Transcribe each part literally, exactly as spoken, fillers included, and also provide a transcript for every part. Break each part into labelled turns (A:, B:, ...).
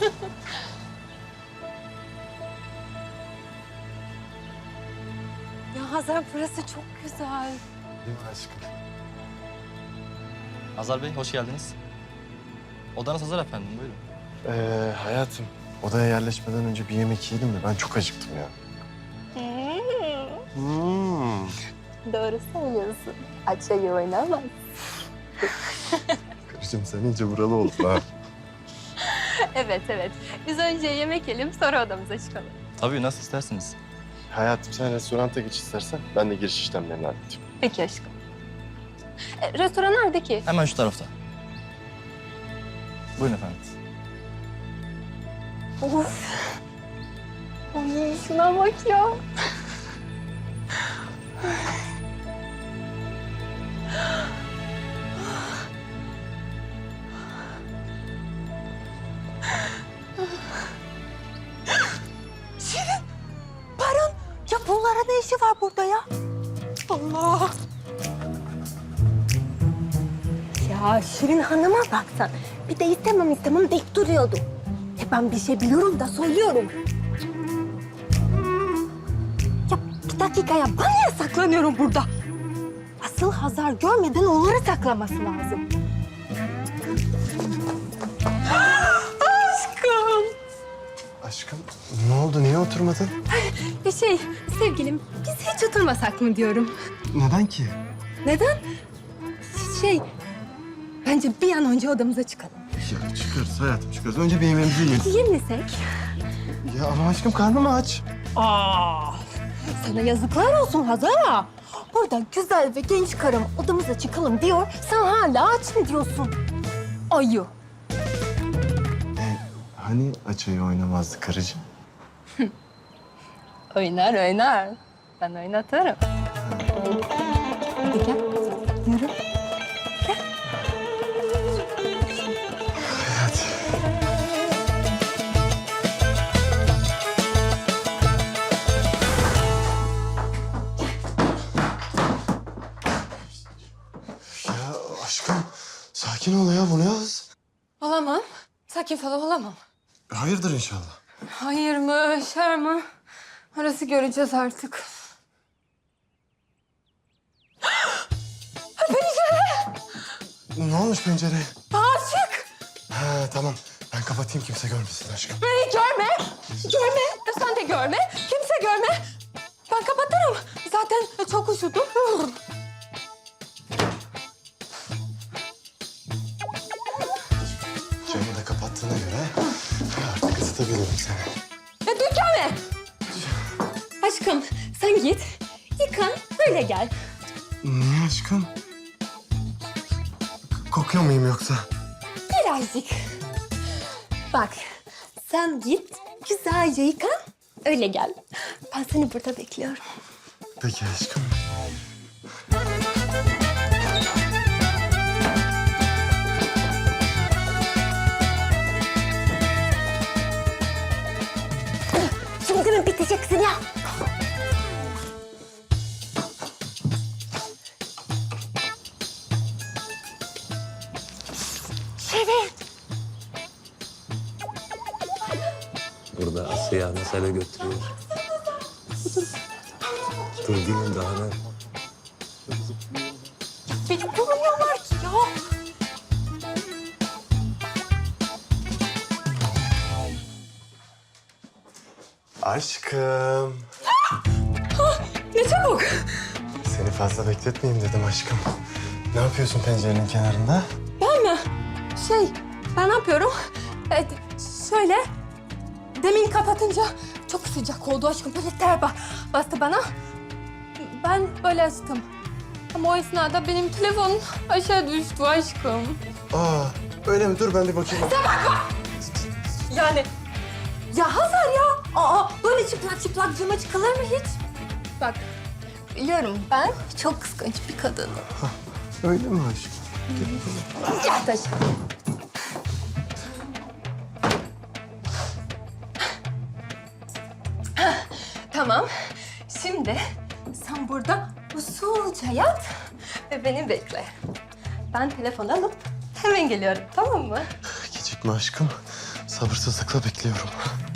A: Ya Hazar, burası çok güzel.
B: Değil mi aşkım?
C: Hazar Bey, hoş geldiniz. Odanız hazır efendim, buyurun.
B: Ee, hayatım, odaya yerleşmeden önce bir yemek yiyelim mi? Ben çok acıktım ya. Hmm.
A: Doğru söylüyorsun. Açayı oynamaz.
B: Karıcığım sen iyice buralı oldun ha.
A: Evet, evet. Biz önce yemek yiyelim, sonra odamıza çıkalım.
C: Tabii, nasıl isterseniz.
B: Hayatım sen restoranta geç istersen ben de giriş işlemlerini halledeyim.
A: Peki aşkım. E, restoran nerede ki?
C: Hemen şu tarafta. Buyurun efendim.
A: Of. Ay, şuna bak ya. Şirin, Baran. Ya bunlara ne işi var burada ya? Allah. Ya Şirin Hanım'a baksan. Bir de istemem istemem deyip duruyordu. E ben bir şey biliyorum da söylüyorum. Ya bir dakika ya, ben niye saklanıyorum burada? Asıl Hazar görmeden onları saklaması lazım. Aşkım.
B: Aşkım ne oldu? Niye oturmadın?
A: Ya şey, sevgilim, biz hiç oturmasak mı diyorum.
B: Neden ki?
A: Neden? Şey, bence bir an önce odamıza çıkalım.
B: Ya çıkarız hayatım çıkarız. Önce bir yemeğimizi yiyelim.
A: Yemesek?
B: Ya ama aşkım karnım aç.
A: Aa, sana yazıklar olsun Hazar. Burada güzel ve genç karım odamıza çıkalım diyor. Sen hala aç mı diyorsun? Ayı.
B: E, hani açayı oynamazdı karıcığım?
A: Oynar oynar. Ben oynatırım. Hadi gel. Yürü. Gel.
B: Hadi. Ya aşkım sakin ol ya, bu ne hız?
A: Olamam. Sakin falan olamam.
B: Hayırdır inşallah.
A: Hayır mı, şer mı? Orası göreceğiz artık.
B: Ne olmuş pencereye?
A: Açık.
B: Ha tamam. Ben kapatayım kimse görmesin aşkım.
A: Beni görme. Görme. Sen de görme. Kimse görme. Ben kapatırım. Zaten çok üşüdüm.
B: Camı da kapattığına göre artık ısıtabilirim seni.
A: Ya dökeme. Aşkım sen git. Yıkan öyle gel.
B: Niye aşkım? Kokuyor muyum yoksa?
A: Birazcık. Bak sen git. Güzelce yıkan. Öyle gel. Ben seni burada bekliyorum.
B: Peki aşkım.
A: Şimdi mi biteceksin ya? Şirin.
D: Burada Asya mesele götürüyor. Dur değilim daha ne?
A: Beni bulmuyorlar ki ya.
B: Aşkım.
A: Ne çabuk.
B: Seni fazla bekletmeyeyim dedim aşkım. Ne yapıyorsun pencerenin kenarında?
A: Ben mi? Şey, ben ne yapıyorum? Evet, şöyle, demin kapatınca çok sıcak oldu aşkım. Böyle ter ba- bastı bana. Ben böyle açtım. Ama o esnada benim telefonum aşağı düştü aşkım.
B: Aa öyle mi? Dur ben bir bakayım.
A: Yani, ya Hazar ya. Aa, böyle çıplak çıplak cama çıkılır mı hiç? Bak, biliyorum ben çok kıskanç bir kadınım.
B: Öyle mi aşkım?
A: Ya taş. Tamam. Şimdi sen burada usulca yat ve beni bekle. Ben telefon alıp hemen geliyorum, tamam mı?
B: Gecikme aşkım. Sabırsızlıkla bekliyorum.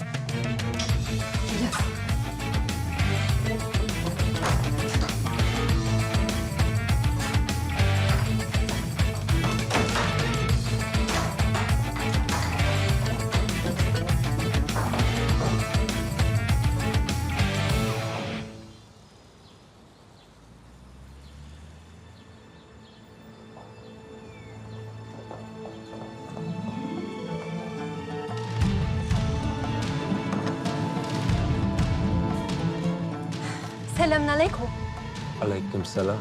A: Selamünaleyküm.
D: Aleykümselam.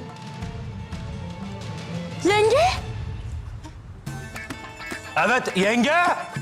A: Yenge!
D: Evet yenge.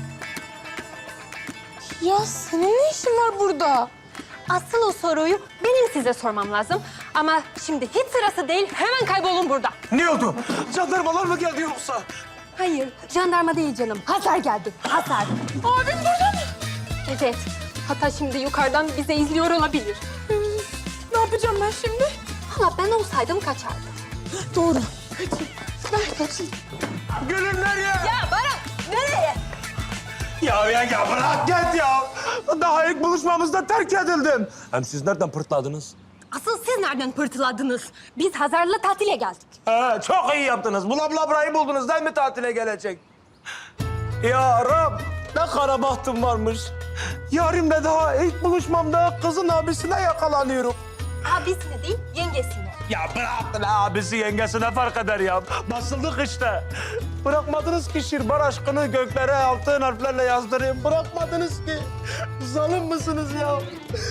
A: Ya senin ne işin var burada? Asıl o soruyu benim size sormam lazım. Ama şimdi hiç sırası değil. Hemen kaybolun burada.
D: Ne oldu? Jandarmalar mı geldi yoksa?
A: Hayır, jandarma değil canım. Hazar geldi. Hazar. Abim burada mı? Evet. Hatta şimdi yukarıdan bize izliyor olabilir. Ne yapacağım ben şimdi? Valla ben olsaydım kaçardım. Doğru. Kaçayım. Ben kaçayım.
D: Gülüm nereye?
A: Ya Baran, nereye?
D: Ya yenge bırak git ya. Daha ilk buluşmamızda terk edildim. Hem siz nereden pırtladınız?
A: Asıl siz nereden pırtıladınız? Biz Hazar'la tatile geldik.
D: He, çok iyi yaptınız. Bula bula burayı buldunuz değil mi tatile gelecek? Ya Rab, ne kara bahtım varmış. Yarimle daha ilk buluşmamda kızın abisine yakalanıyorum.
A: Abisine değil, yengesine.
D: Ya bırak lan abisi yengesine fark eder ya. Basıldık işte. Bırakmadınız ki Şirbar aşkını göklere altın harflerle yazdırayım. Bırakmadınız ki. Zalim mısınız ya?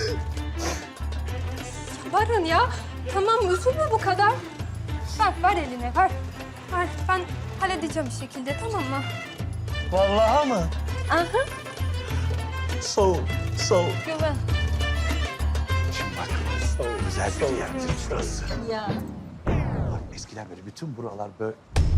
A: Baran ya, tamam üzülme bu kadar. Ver, ver eline, ver. Ver, ben halledeceğim bir şekilde, tamam mı?
D: Vallahi mı?
A: Aha,
D: Soğuk, soğuk.
A: güven.
E: Şimdi bak, güzel bir yerdir şurası.
A: Ya.
E: Bak eskiden böyle bütün buralar böyle...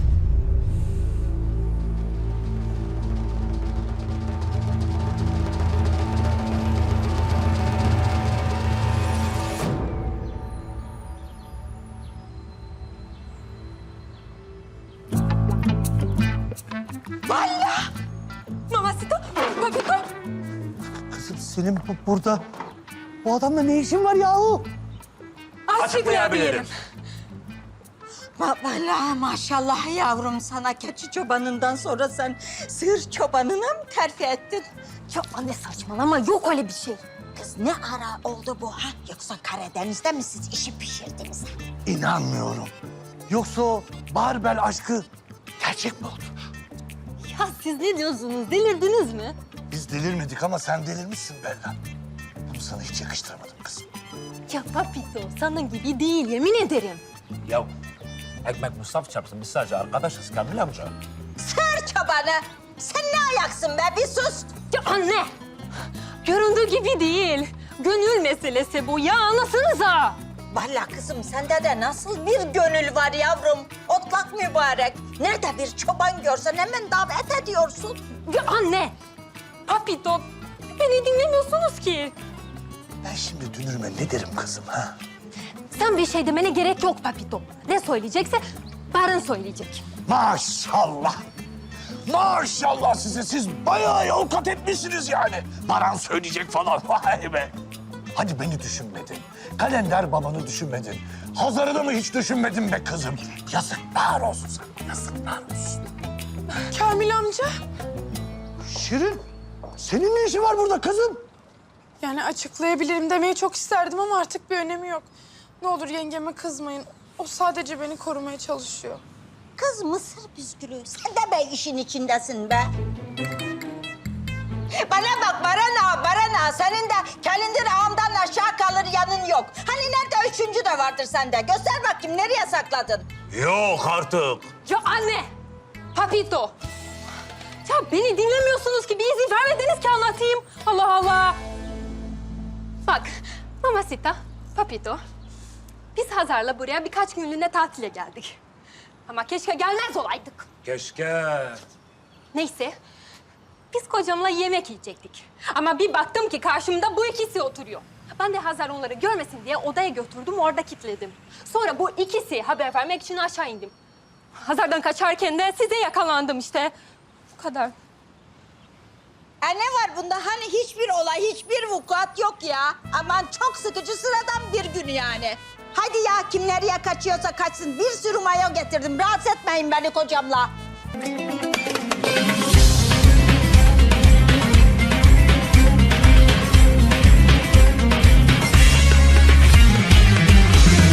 A: Mamasito, Papito.
E: Kızım senin bu, burada... Bu adamla ne işin var yahu?
A: Açıklayabilirim.
F: Va- Vallahi maşallah yavrum sana keçi çobanından sonra sen sığır çobanına mı terfi ettin?
A: Ya anne saçmalama, yok öyle bir şey.
F: Kız ne ara oldu bu ha? Yoksa Karadeniz'de mi siz işi pişirdiniz?
E: İnanmıyorum. Yoksa o Barbel aşkı gerçek mi oldu?
A: Ya siz ne diyorsunuz, delirdiniz mi?
E: Biz delirmedik ama sen delirmişsin Bella. Bunu sana hiç yakıştıramadım kızım.
A: Ya Papito, sana gibi değil, yemin ederim.
D: Ya ekmek Mustafa çarpsın. Biz sadece arkadaşız Kamil amca.
F: Sığır çobanı! Sen ne ayaksın be? Bir sus!
A: Ya anne! Göründüğü gibi değil. Gönül meselesi bu ya, anlasanıza.
F: Vallahi kızım sende de nasıl bir gönül var yavrum? Otlak mübarek. Nerede bir çoban görsen hemen davet ediyorsun.
A: Ya anne! Papito, beni dinlemiyorsunuz ki.
E: Ben şimdi dünürüme ne derim kızım ha?
A: Sen bir şey demene gerek yok Papito. Ne söyleyecekse Baran söyleyecek.
E: Maşallah. Maşallah size. Siz bayağı yol kat etmişsiniz yani. Baran söyleyecek falan. Vay be. Hadi beni düşünmedin. Kalender babanı düşünmedin. Hazar'ı da mı hiç düşünmedin be kızım? Yazıklar olsun sana. Yazıklar olsun.
G: Kamil amca.
E: Şirin, senin ne işin var burada kızım?
G: Yani açıklayabilirim demeyi çok isterdim ama artık bir önemi yok. Ne olur yengeme kızmayın. O sadece beni korumaya çalışıyor.
F: Kız mısır püskülü. Sen de be işin içindesin be. Bana bak Barana, Barana. Senin de kalender ağamdan aşağı kalır yanın yok. Hani nerede üçüncü de vardır sende. Göster bakayım nereye sakladın?
D: Yok artık.
A: Ya anne! Papito! Ya beni dinlemiyorsunuz ki, bir izin vermediniz ki anlatayım. Allah Allah! Bak, Mamasita, Papito. Biz Hazar'la buraya birkaç günlüğüne tatile geldik. Ama keşke gelmez olaydık.
D: Keşke.
A: Neyse, biz kocamla yemek yiyecektik. Ama bir baktım ki karşımda bu ikisi oturuyor. Ben de Hazar onları görmesin diye odaya götürdüm, orada kilitledim. Sonra bu ikisi haber vermek için aşağı indim. Hazar'dan kaçarken de size yakalandım işte. Bu kadar.
F: E ne var bunda? Hani hiçbir olay, hiçbir vukuat yok ya. Aman çok sıkıcı sıradan bir gün yani. Hadi ya kim nereye kaçıyorsa kaçsın. Bir sürü mayo getirdim. Rahatsız etmeyin beni kocamla.